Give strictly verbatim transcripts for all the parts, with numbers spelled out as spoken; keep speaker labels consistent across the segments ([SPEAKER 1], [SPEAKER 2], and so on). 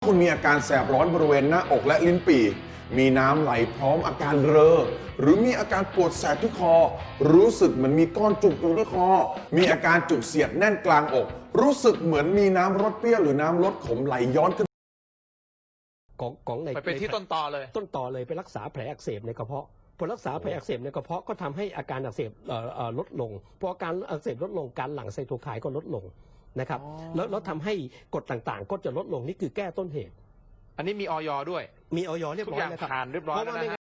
[SPEAKER 1] คุณมีอาการแสบร้อนบริเวณหน้าอกและลิ้นปี่มีน้ำไหลพร้อมอาการเรอหรือมีอาการปวดแสบที่คอรู้สึกเหมือนมีก้อนจุกอยู่ที่คอมีอาการจุกเสียดแน่นกลางอกรู้สึกเหมือนมีน้ำรสเปรี้ยวหรือน้ำรสขมไหลย้อนขึ้น
[SPEAKER 2] ของของใน
[SPEAKER 3] ไปที่ต้นตอเลย
[SPEAKER 2] ต้นตอเลยไปรักษาแผลอักเสบในกระเพาะพอรักษาแผลอักเสบในกระเพาะก็ทำให้อาการอักเสบลดลงพออาการอักเสบลดลงการหลั่งไซโตไคน์ก็ลดลงนะครับแล้วแล้วทำให้กรดต่างๆก็จะลดลงนี่คือแก้ต้นเหตุ
[SPEAKER 3] อันนี้มีออยด้วย
[SPEAKER 2] มีออยเรียบร้อย
[SPEAKER 3] แล้วครับผ่านเรียบร้อยแล้วนะ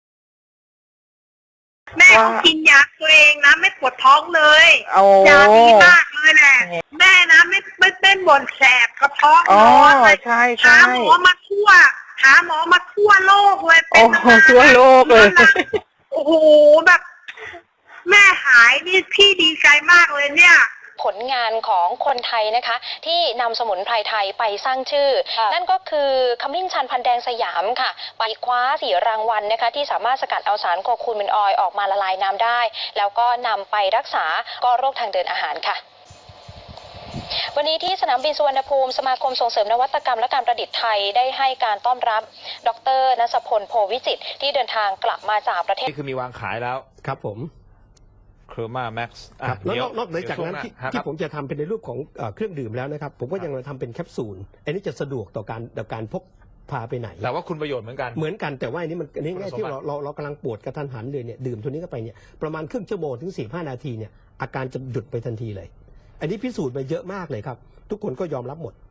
[SPEAKER 4] แม่เขากินยาตัวเองนะไม่ปวดท้องเลยยาดีมากเลยแหละแม่นะไม่ไม่เป็นบ่นแสบกระเพาะร้อนเลย
[SPEAKER 5] ใช่ใช่
[SPEAKER 4] หาหมอมาทั่วหาหมอมาทั่วโลกเลยเป็
[SPEAKER 5] โอ้
[SPEAKER 4] น
[SPEAKER 5] โหทั่วโลกเลย
[SPEAKER 4] โอ้โหแบบแม่หายนี่พี่ดีใจมากเลยเนี่ย
[SPEAKER 6] ผลงานของคนไทยนะคะที่นำสมุนไพรไทยไปสร้างชื่อนั่นก็คือขมิ้นชันพันแดงสยามค่ะไปคว้าสี่รางวัลนะคะที่สามารถสกัดเอาสารโคคูมินออยล์ออกมาละลายน้ำได้แล้วก็นำไปรักษาก็โรคทางเดินอาหารค่ะวันนี้ที่สนามบินสุวรรณภูมิสมาคมส่งเสริมนวัตกรรมและการประดิษฐ์ไทยได้ให้การต้อนรับดร.ณัสพลโพวิจิตรที่เดินทางกลับมาจากประเทศ
[SPEAKER 3] นี่คือมีวางขายแล้ว
[SPEAKER 2] ครับผม
[SPEAKER 3] เคอร์มาแม็กซ์
[SPEAKER 2] แล้วนอกเหนือจากนั้นที่ที่ผมจะทำเป็นในรูปของเครื่องดื่มแล้วนะครับผมก็ยังทำเป็นแคปซูลอันนี้จะสะดวกต่อการต่อการพกพาไปไหน
[SPEAKER 3] แต่ว่าคุณประโยชน์เหมือนกัน
[SPEAKER 2] เหมือนกันแต่ว่าอันนี้มันอันนี้ง่ายที่เราเราเรากำลังปวดกระทันหันเลยเนี่ยดื่มตัวนี้เข้าไปเนี่ยประมาณครึ่งชั่วโมงถึงสี่ห้านาทีเนี่ยอาการจะหยุดไปทันทีเลยอันนี้พิสูจน์มาเยอะมากเลยครับทุกคนก็ยอมรับหมด